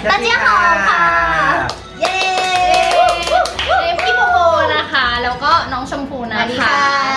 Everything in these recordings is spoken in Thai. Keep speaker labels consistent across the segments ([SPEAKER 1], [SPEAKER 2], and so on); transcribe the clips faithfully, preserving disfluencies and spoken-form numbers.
[SPEAKER 1] 大家好ค่ะเย้เอ็มพี่โบโบนะคะแล้วก็น้องชมพูนะคะ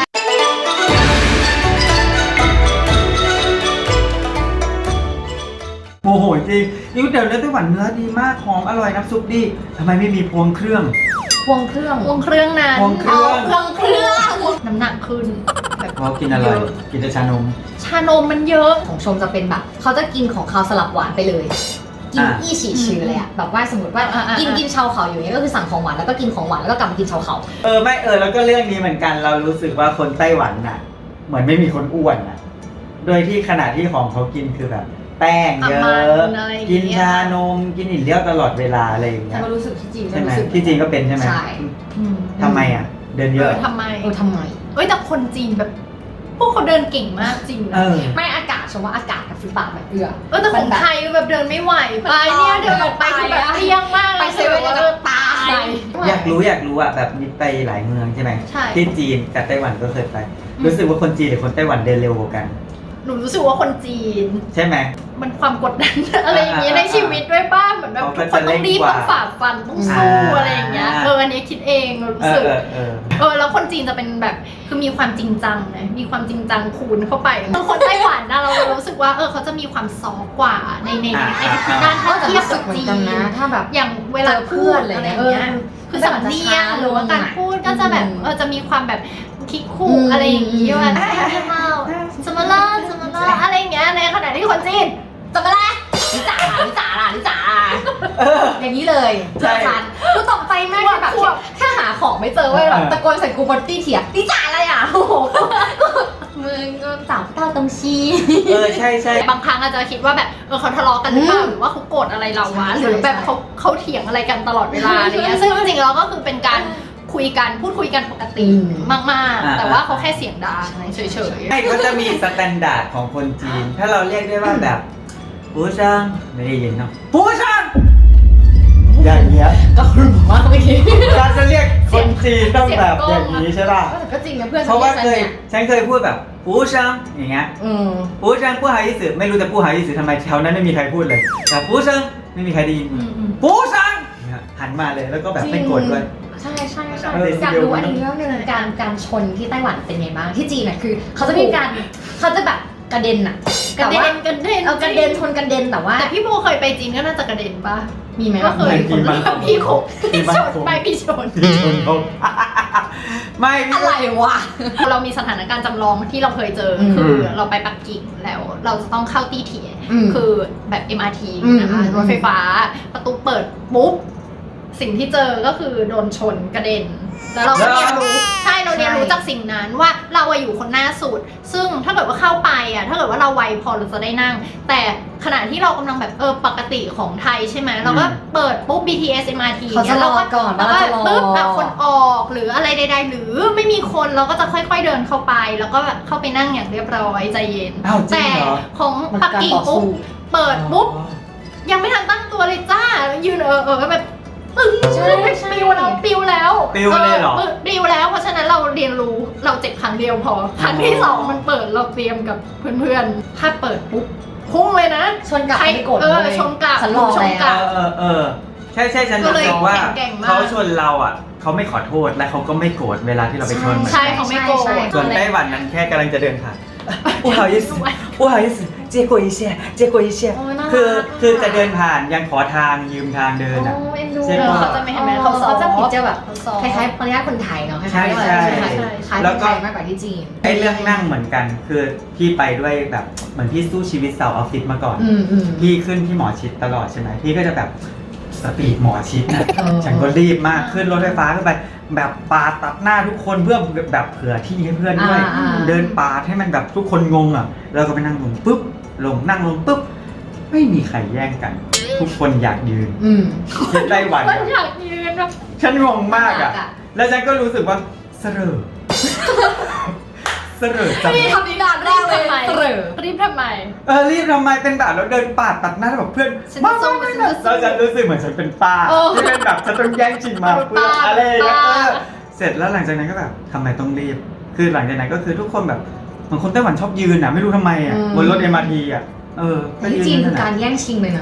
[SPEAKER 2] โอ้โหจริงนี่ก๋วยเตี๋ยวเนื้อไต้หวันเนื้อดีมากหอมอร่อยน้ำซุปดีทำไมไม่มีพวงเครื่อง
[SPEAKER 3] พวงเครื่อง
[SPEAKER 1] วงเครื่องนั้น
[SPEAKER 2] พวงเครื่อง
[SPEAKER 1] พวงเครื่องน้ำหนักขึ้นแบบ
[SPEAKER 2] เขากินอะไรกินแต่ชานม
[SPEAKER 1] ชานมมันเยอะ
[SPEAKER 3] ของชมจะเป็นแบบเขาจะกินของเขาสลับหวานไปเลยกิน
[SPEAKER 2] อ่ะ
[SPEAKER 3] อี้ฉี่ชื่อเลยอะแบบว่าสมมติว่า
[SPEAKER 1] อ่ะอ่ะ
[SPEAKER 3] กินกินชาวเขาอยู่เนี้ยก็คือสั่งของหวานแล้วก็กินของหวานแล้วก็กลับมากินชาวเขา
[SPEAKER 2] เออไม่เออแล้วก็เรื่องนี้เหมือนกันเรารู้สึกว่าคนไต้หวันน่ะ เหมือนไม่มีคนอ้วนน่ะโดยที่ขณะที่ของเขากินคือแบบ แป้งเยอะกินชานมกินอิ่มเลี้ยวตลอดเวลาอะไรอย่างเงี้
[SPEAKER 3] แต่
[SPEAKER 2] ย
[SPEAKER 3] ก็รู้สึกที่จีน
[SPEAKER 2] ใช่ไหม
[SPEAKER 3] รู้สึก
[SPEAKER 2] ที่จีนก็เป็นใช่ไหม
[SPEAKER 3] ใช่
[SPEAKER 2] ทำไมอ่ะ เดิน
[SPEAKER 1] เอ
[SPEAKER 2] เย
[SPEAKER 1] อ
[SPEAKER 2] อะ
[SPEAKER 1] ทำไม
[SPEAKER 3] เออทำไม
[SPEAKER 1] เอ้ยแต่คนจีนแบบพวกเขาเดินเก่งมากจริง
[SPEAKER 2] เอ
[SPEAKER 1] นะ
[SPEAKER 2] อ
[SPEAKER 3] ไม่อากาศชมว่าอากาศกับฟุตบาทแบบเอื้อ
[SPEAKER 1] เออแต่ของไทยแบบเดินไม่ไหวไปเนี่ยเดินออกไปคือแบบเตี้ยงมาก
[SPEAKER 3] ไปเซเว่นแล้วก็ตาย
[SPEAKER 2] อยากรู้อยากรู้อ่ะแบบมีไปหลายเมืองใช่ไหม
[SPEAKER 1] ใช่
[SPEAKER 2] ที่จีนกับไต้หวันก็เคยไป รู้สึกว่าคนจีนหรือคนไต้หวันเดินเร็วกว่ากัน
[SPEAKER 1] หนูรู้สึกว่าคนจีน
[SPEAKER 2] ใช่ไหม
[SPEAKER 1] มันความกดดัน อะไรอย่างเงี้ยในชีวิตด้วยป้าเหมือนแบบ
[SPEAKER 2] เขาก็
[SPEAKER 1] ทุกคนต้องรีบ
[SPEAKER 2] จะเร่งกว่า
[SPEAKER 1] ต้องฝ่าฟันต้องสู้
[SPEAKER 2] อ่า
[SPEAKER 1] อะไรอย่างเงี้ยเอออันนี้คิดเองรู้
[SPEAKER 2] เอ
[SPEAKER 1] สึ
[SPEAKER 2] อก เออเออ
[SPEAKER 1] เออแล้วคนจีนจะเป็นแบบคือมีความจริงจังนะมีความจริงจังคูณเข้าไปคนไต้หวันนะเรารู้สึกว่าเออเขาจะมีความซอฟต์กว่าในในในทุกด้านถ้าเทียบกับจีน
[SPEAKER 3] นะถ้าแบบ
[SPEAKER 1] อย่างเวลาพูดอะไรอย่างเงี้ยคือสำเนียงหรือว่าการพูดก็จะแบบเออจะมีความแบบคิกคู่อะไรอย่างงี้ว่าสมล่าสมล่าอะไรอย่างเงี้ยในขณะที่คนจีน
[SPEAKER 3] จะมาแล้วลิจ่าลิจ่าล่ะลิจ่าอย่างนี้เลย
[SPEAKER 2] ใช่
[SPEAKER 3] ทันกูตกใจมากที่แบบแค่หาของไม่เจอเว้ยแบบตะโกนใส่กูบนตี้เถียลิจ่าอะไรอ่ะโอ้โหมึงก็จับเต้าตรงชี
[SPEAKER 2] เออใช่ใช่
[SPEAKER 1] บางครั้งอาจจะคิดว่าแบบเออเขาทะเลาะกันหรือเปล่าหรือว่าเขาโกรธอะไรเราวะหรือแบบเขาเขาเถียงอะไรกันตลอดเวลาอะไรเงี้ยซึ่งจริงๆแล้วก็คือเป็นการคุยกันพูดคุยกันปกติมากๆ แต่ว่าเขาแค่เสียงดังเฉยๆ
[SPEAKER 2] ใช่ก็จะมีสแตนดาร์ดของคนจีน ถ้าเราเรียกได้ว่าแบบปูช่างไม่ได้ยินเนาะปูช่างอย่างเงี้ย
[SPEAKER 3] ก็คุณบอกว่าเมื่อกี้
[SPEAKER 2] เราจะเรียกคนจีนต้องแบบอย่างนี้ใช่ป่ะ
[SPEAKER 3] แต่ก็จริงนะเพื่อน
[SPEAKER 2] เพราะว่าเคย
[SPEAKER 3] นี่
[SPEAKER 2] ฉันเคยพูดแบบปูช่างอย่างเงี้ย
[SPEAKER 3] อืม
[SPEAKER 2] ปูช่างปูหายิสึไม่รู้จะปูหายิสึทำไมแถวนั้นไม่มีใครพูดเลยแต่ปูช่างไม่มีใครได้ยินปูช่างเนี่ยหันมาเลยแล้วก็แบบไม่โกรธด้วย
[SPEAKER 3] ใช่ใช่ใช่
[SPEAKER 2] เออ
[SPEAKER 3] อยากรู้อันนี้เรื่องหนึงการการชนที่ไต้หวันเป็นไงบ้างที่จีนน่ะคือเขาจะมีการเขาจะแบบกระเด็นอะ
[SPEAKER 1] กระเด็นกระเด็น
[SPEAKER 3] เอากระเด็นชนกระเด็นแต่ว่า
[SPEAKER 1] แต่พี่โบเคยไปจีนก็น่าจะกระเด็นปะ
[SPEAKER 3] มีไหม
[SPEAKER 1] ก็เคย
[SPEAKER 2] มีมั้ย
[SPEAKER 1] พี่ขบ
[SPEAKER 2] มี
[SPEAKER 1] พี่
[SPEAKER 2] มั้ย
[SPEAKER 1] ชนไปพี่ชน
[SPEAKER 2] พี่ชนเขาไม่พี่
[SPEAKER 3] อะไรวะ
[SPEAKER 1] เรามีสถานการณ์จำลองที่เราเคยเจอ
[SPEAKER 3] อืม
[SPEAKER 1] คือเราไปปักกิ่งแล้วเราจะต้องเข้าตี้เถีย
[SPEAKER 3] อืม
[SPEAKER 1] คือแบบ เอ็ม อาร์ ที
[SPEAKER 3] อืม
[SPEAKER 1] นะคะ
[SPEAKER 3] อืม
[SPEAKER 1] รถไฟฟ้าประตูเปิดปุ๊บสิ่งที่เจอก็คือโดนชนกระเด็น แล้วเราก็เรียนรู้ใช่เราเรียนรู้จากสิ่งนั้นว่าเราอะอยู่คนหน้าสุด ซึ่งถ้าเกิดว่าเข้าไปอะถ้าเกิดว่าเราไวพอเราจะได้นั่ง แต่ขณะที่เรากำลังแบบเออปกติของไทยใช่ไหมเราก็เปิดปุ๊บ บี ที เอส เอ็ม อาร์ ที
[SPEAKER 3] เขาจะรอก่อน
[SPEAKER 1] แล้วก็
[SPEAKER 3] ว่าจะรอ
[SPEAKER 1] ปุ๊บอะคนออกหรืออะไรใดๆหรือไม่มีคนเราก็จะค่อยๆเดินเข้าไป แล้วก็เข้าไปนั่งอย่างเรียบร้อยใจเย็น
[SPEAKER 2] อ้าวจริ
[SPEAKER 1] แต่
[SPEAKER 2] งเหรอ
[SPEAKER 1] ของปักกิ่งปุ๊บเปิดปุ๊บยังไม่ทันตั้งตัวเลยจ้ายืนเออเออแบบตึ้ง
[SPEAKER 3] ใช่ใช่
[SPEAKER 1] ปิวแล้วปิวแล้ว
[SPEAKER 2] ปิวเลยเหรอ
[SPEAKER 1] ปิวแล้วเพราะฉะนั้นเราเรียนรู้เราเจ็บครั้งเดียวพอครั้งที่สองมันเปิดเราเตรียมกับเพื่อนๆถ้าเปิดปุ๊บพุ่งเลยนะ
[SPEAKER 3] ชนกลับ
[SPEAKER 1] ใคร
[SPEAKER 3] ไม่โกรธ
[SPEAKER 1] เออ
[SPEAKER 3] เลย
[SPEAKER 1] ชนกลับ
[SPEAKER 3] ฉันรอ
[SPEAKER 1] ชนก
[SPEAKER 3] แล้
[SPEAKER 1] ลั
[SPEAKER 3] ว
[SPEAKER 1] บ
[SPEAKER 2] เออเออเออใช่ใช่ฉัน
[SPEAKER 1] ก็
[SPEAKER 2] รู้
[SPEAKER 1] เลย
[SPEAKER 2] สึกว่า
[SPEAKER 1] แข็งๆมาก
[SPEAKER 2] เขาชนเราอ่ะเขาไม่ขอโทษและเขาก็ไม่โกรธเวลาที่เราไปชนเหมือน
[SPEAKER 1] ใช่
[SPEAKER 2] กัน
[SPEAKER 1] เขาไม่โกรธ
[SPEAKER 3] ใช่ใช่
[SPEAKER 2] ส่วนไต้หวันนั้นแค่กำลังจะเดินผ่าน不好意思不好意思借过一下借过一下
[SPEAKER 3] โอ้ยน่ารัก
[SPEAKER 2] คือคือจะเดินผ่านยังขอทางยืมทางเดินอ่ะ
[SPEAKER 3] โอ้เอ็นดู
[SPEAKER 2] ใช่
[SPEAKER 1] เอ
[SPEAKER 2] ปะ
[SPEAKER 1] อเขาจะไม่เห็นไหม
[SPEAKER 3] เขา
[SPEAKER 1] เขา
[SPEAKER 3] เขา
[SPEAKER 1] ซ้อ
[SPEAKER 3] จะ
[SPEAKER 1] ม
[SPEAKER 3] ผิดจะแบบ
[SPEAKER 1] เขาซ้อม
[SPEAKER 3] คล้ายๆมารยาทคนไทยเนาะคล้ายๆ
[SPEAKER 2] ใช่ใช่
[SPEAKER 3] คล้ายๆ
[SPEAKER 1] ใช่
[SPEAKER 3] คล้ายๆ
[SPEAKER 2] แล้
[SPEAKER 3] ค
[SPEAKER 2] วน ก็
[SPEAKER 3] ไทยมากกว่าที่จีน
[SPEAKER 2] ไอ้เรื่องนั่งเหมือนกัน คือพี่ไปด้วยแบบเหมือนพี่สู้ชีวิตสาวออฟฟิศมาก่อน
[SPEAKER 3] อืมอืม
[SPEAKER 2] พี่ขึ้นที่หมอชิดตลอดใช่ไหมพี่ก็จะแบบสปีดหมอชิดนะ
[SPEAKER 3] เออ
[SPEAKER 2] ฉันก็รีบมากขึ้นรถไฟฟ้าขึ้นไป แบบปาดตัดหน้าทุกคนเพื่อแบบเผื่อที่ให้เพื่อนด้วย
[SPEAKER 3] อ่าๆ
[SPEAKER 2] เดินปาดให้มันแบบทุกคนงงอ่ะแล้วก็ไปนั่งลงปุ๊บลงนั่งลงปุ๊บไม่มีใครแย่งกัน ทุกคนอยากยืน
[SPEAKER 3] อืม
[SPEAKER 2] ที่ไต้หวัน
[SPEAKER 1] มัน
[SPEAKER 2] อะ
[SPEAKER 1] อยากยืนแบบ
[SPEAKER 2] ฉันงงมากอ่ะ
[SPEAKER 3] น่ารักอะ
[SPEAKER 2] แล้วฉันก็รู้สึกว่าเสรอเสรอจัง
[SPEAKER 3] ทำนิดานแร
[SPEAKER 1] รี
[SPEAKER 3] ก
[SPEAKER 1] บ
[SPEAKER 3] เลย
[SPEAKER 1] ทำไม
[SPEAKER 3] เสรอ
[SPEAKER 1] รีบทำไม
[SPEAKER 2] เออรีบทำไมเป็นแบบแล้วเดินปาดตัดหน้าแล้วแบบเพื่อน
[SPEAKER 1] ฉัน
[SPEAKER 2] มา
[SPEAKER 1] จะสู้
[SPEAKER 2] ไม่
[SPEAKER 1] ฉัน
[SPEAKER 2] ไม่
[SPEAKER 1] จะสู้
[SPEAKER 2] แล้วฉันรู้สึกเหมือนฉันเป็นป้า
[SPEAKER 1] เออ
[SPEAKER 2] ที่เป็นแบบฉันต้องแย่งชิงมาเพื่อน
[SPEAKER 1] ป้า
[SPEAKER 2] อะไรอย่างเงี้ย
[SPEAKER 1] ป้า
[SPEAKER 2] เออเสร็จแล้วหลังจากนั้นก็แบบทำไมต้องรีบ คือหลังจากนั้นก็คือทุกคนแบบเหมือนคนไต้หวันชอบยืนอ่ะไม่รู้ทำไมอ่ะ
[SPEAKER 3] อืม
[SPEAKER 2] บนรถ เอ็ม อาร์ ที อ่ะเออ
[SPEAKER 3] แต่ที่จีนคือการแย่งชิงเลยนะ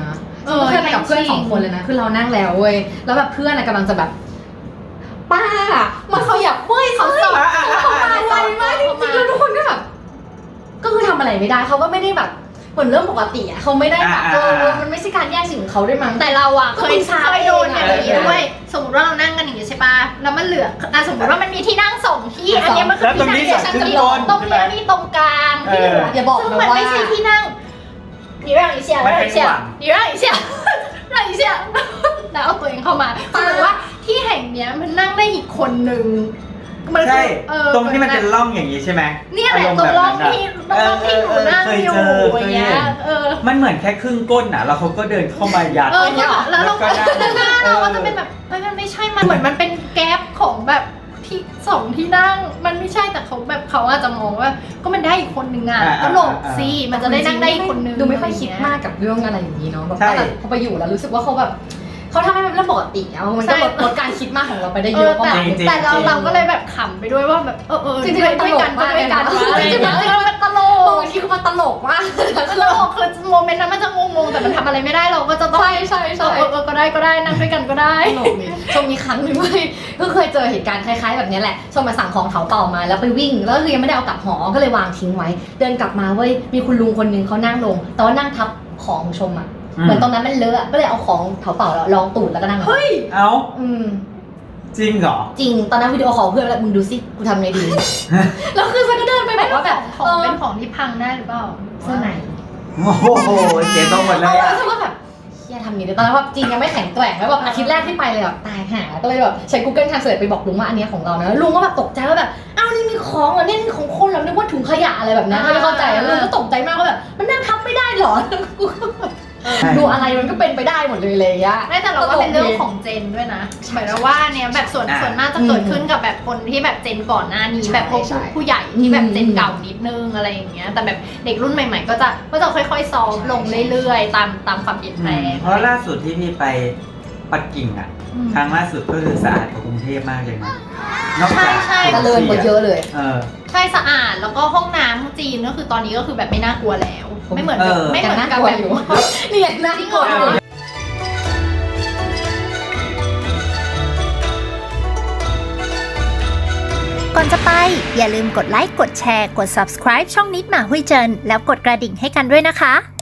[SPEAKER 3] เออเคยไปกับเพื่อนสองคนเลยนะคือเรานั่งแล้วเว้ยแล้วแบบเพื่อนอะกำลังจะแบบป้ามันเขาอยากเว้ยเขาสอบเขามาไวมากจริงๆแล้วทุกคนก็แบบก็คือทำอะไรไม่ได้เขาก็ไม่ได้แบบเหมือนเรื่องปกติอะเขาไม่ได้แบบเออมันไม่ใช่การแย่งสิ่งของเขาด้วยมั้ง
[SPEAKER 1] แต่เราอะเคย
[SPEAKER 3] ก็
[SPEAKER 1] เคยโดนอย่างนี้
[SPEAKER 3] เออ
[SPEAKER 1] ด้วยสมมติว่าเรานั่งกันอย่างนี้ใช่ปะแล้วมันเหลืออ่ะสมมติว่ามันมีที่นั่งสองที่อันเนี้ยมันคือ
[SPEAKER 2] แล้วตรงนี้
[SPEAKER 1] ที่
[SPEAKER 2] ส
[SPEAKER 1] นั่
[SPEAKER 2] อง ง
[SPEAKER 1] ที่
[SPEAKER 2] ขึ้น
[SPEAKER 1] ฉั
[SPEAKER 2] บน
[SPEAKER 1] ตรง
[SPEAKER 2] ใช่ไหม
[SPEAKER 1] นี้มีตรงกลางที่เหลือ
[SPEAKER 3] อย่าบอก
[SPEAKER 1] ซึ่ง
[SPEAKER 3] นะ
[SPEAKER 1] มัน
[SPEAKER 3] ว่า
[SPEAKER 1] ไม่ใช่ที่นั่ง你让一下让一下你让一下让一下แล้วเอาตัวเองเข้ามาคือว่าที่แห่งเนี้ยมันนั่งได้อีกคนนึงมัน
[SPEAKER 2] ใช่
[SPEAKER 1] เออ
[SPEAKER 2] ตรงที่มันเป็นร่องอย่างนี้ใช่ไหม
[SPEAKER 1] เนี่ยแหละ
[SPEAKER 2] ารมณ์
[SPEAKER 1] ตรง
[SPEAKER 2] แบบ
[SPEAKER 1] ร่อง
[SPEAKER 2] นั้น
[SPEAKER 1] ที่
[SPEAKER 2] อะ
[SPEAKER 1] ตรงร่องที่หนูนั่ง
[SPEAKER 2] เคย
[SPEAKER 1] อยู่
[SPEAKER 2] เจอ
[SPEAKER 1] อ
[SPEAKER 2] เค
[SPEAKER 1] ย่าง
[SPEAKER 2] ย
[SPEAKER 1] เงี้
[SPEAKER 2] เห็
[SPEAKER 1] ย
[SPEAKER 2] น
[SPEAKER 1] เออ
[SPEAKER 2] มันเหมือนแค่ครึ่งก้นน่ะแล้วเขาก็เดินเข้ามายัด
[SPEAKER 1] เออแล้วเราก็
[SPEAKER 2] แล้วก็นั่ง
[SPEAKER 1] หน้าเราก็จะเป็นแบบเฮ้ยมันไม่ใช่มันเหมือนมันเป็นแก๊ปของแบบที่สองที่นั่งมันไม่ใช่แต่เขาแบบเขาอาจจะมองว่าก็มันได้อีกคนนึงอ่ะ
[SPEAKER 2] อ่า
[SPEAKER 1] ก็หลบ
[SPEAKER 2] อ่า
[SPEAKER 1] สิมันจะได้นั่งได้อีกคนนึง
[SPEAKER 3] ดูไม่ค่อยคิดมากกับเรื่องอะไรอย่างนี้เนาะแบบ
[SPEAKER 2] ใช่
[SPEAKER 3] แต่พอไปอยู่แล้วรู้สึกว่าเขาแบบเขาทำให้มันเป็นเรื่องปกติอะมันก็ลดลดการคิดมากของเราไปได้
[SPEAKER 1] เอ
[SPEAKER 3] เย
[SPEAKER 1] อ
[SPEAKER 3] อะประ
[SPEAKER 1] แต่
[SPEAKER 3] มาณนึง
[SPEAKER 1] แต่เราเราก็เลยแบบขำไปด้วยว่าแบบเออเออ
[SPEAKER 3] จริงๆ
[SPEAKER 1] ด้วย
[SPEAKER 3] มันต
[SPEAKER 1] ด้วย
[SPEAKER 3] ลก
[SPEAKER 1] กันก็
[SPEAKER 3] มาก
[SPEAKER 1] ด้วยกัน
[SPEAKER 3] เลยนะ
[SPEAKER 1] อะไรอย่างเงี้ยเออมันตล
[SPEAKER 3] บาง
[SPEAKER 1] ก
[SPEAKER 3] ทีคือมันตลกมาก
[SPEAKER 1] ตลกคือโมเมนต์นั้นมันจะงงๆแต่มันทำอะไรไม่ได้เราก็จะต้อง
[SPEAKER 3] ใช่ใช่ใช่
[SPEAKER 1] เออเออก็ได้ก็ได้นั่งด้วยกันก็ได้
[SPEAKER 3] ตลกนี่ชมมีครั้งหนึ่งเว้ยก็เคยเจอเหตุการณ์คล้ายๆแบบนี้แหละชมมาสั่งของเถาเป่ามาแล้วไปวิ่งแล้วคือยังไม่ได้เอากลับหอก็เลยวางทิ้งไว้ เดินกลับมาเว้ยมีคุณลุงคนนึงเขานั่งลงแต่ว่านั่งทับของของชมอ่ะเหมือนตรงนั้นมันเลอะก็เลยเอาของเถาเป่าแล้วลองตูดแล้วก็นั่ง
[SPEAKER 1] เฮ้ย
[SPEAKER 2] เอ้า
[SPEAKER 3] อืม
[SPEAKER 2] จริงเหรอ
[SPEAKER 3] จริงตอนนั้นวิดีโอคอลเพื่อนแล้วมึงดูสิกูทำไงดี แล้วคือฉันก็เดินไปบ
[SPEAKER 1] ไม่
[SPEAKER 3] อก
[SPEAKER 1] ว่า
[SPEAKER 3] ว่า
[SPEAKER 1] แบ
[SPEAKER 3] แบบ บ
[SPEAKER 1] ของ
[SPEAKER 3] เออ
[SPEAKER 1] เป็นของที่พังได้หรือเปล่า
[SPEAKER 3] เสื้อใน
[SPEAKER 2] โอ้โหเสียตรงหมดเลย
[SPEAKER 3] เอา
[SPEAKER 2] อ่ะ
[SPEAKER 3] แล้วฉันก็แบบเฮียทำนี้เลยตอนนั้นแบบจริงยังไม่แข็งแกร่งแล้วแบบอาทิตย์แรกที่ไปเลยแบบตายหาก็เลยแบบใช้ Google Translate ไปบอกลุงว่าอันเนี้ยของเรานะลุงก็แบบตกใจว่าแบบอ้าวนี่มีของเหรอเนี่ยนี่ของคนเหรอนึกว่าถุงขยะอะไรแบบนั้นไม่เข้าใจแล้วลุงก็ตกใจมากว่าแบบมันนั่งทับไม่ได้เหรอกูก็แบบดูอะไรมันก็เป็นไปได้หมดเลยเลยอะ
[SPEAKER 1] ไม่แต่เราว่าเป็นเรื่องของเจนด้วยนะหมายถึงว่าเนี่ยแบบส่วน
[SPEAKER 2] อ่า
[SPEAKER 1] ส่วนมากจะเกิดขึ้นกับแบบคนที่แบบเจนก่อนหน้านี้
[SPEAKER 3] ใช่
[SPEAKER 1] แบบพวก
[SPEAKER 3] ใช่
[SPEAKER 1] ผู้ใหญ่ที่แบบ
[SPEAKER 3] อืม
[SPEAKER 1] เจนเก่านิดนึงอะไรอย่างเงี้ยแต่แบบเด็กรุ่นใหม่ ๆ ก็จะก็จะค่อยๆซอฟต์ลงเรื่อยๆ ตามตามความเปลี่ยนแปลง
[SPEAKER 2] เพราะล่าสุดที่พี่ไปปักกิ่งอ่ะ
[SPEAKER 1] อืม
[SPEAKER 2] ครั้งล่าสุดก็คือสะอาดกว่ากรุงเทพมากเลยนะนอกจาก
[SPEAKER 1] ใช่
[SPEAKER 3] เจริญกว่าเยอะเลย
[SPEAKER 2] เออ
[SPEAKER 1] ใช่สะอาดแล้วก็ห้องน้ำจีนก็คือตอนนี้ก็คือแบบไม่น่ากลัวแล้ว ไม่เหมือน
[SPEAKER 2] เอ
[SPEAKER 1] กับ
[SPEAKER 2] อ
[SPEAKER 1] ไม่เหมือนกับ
[SPEAKER 3] ยังน่ากลัว
[SPEAKER 1] แบบ
[SPEAKER 3] อยู่ นี่ไงน่ากลัวอยู่
[SPEAKER 4] ก่อนจะไปอย่าลืมกดไลค์ กดแชร์ กด ซับสไครบ์ ช่องนิดหมาหุยเจิน แล้วกดกระดิ่งให้กันด้วยนะคะ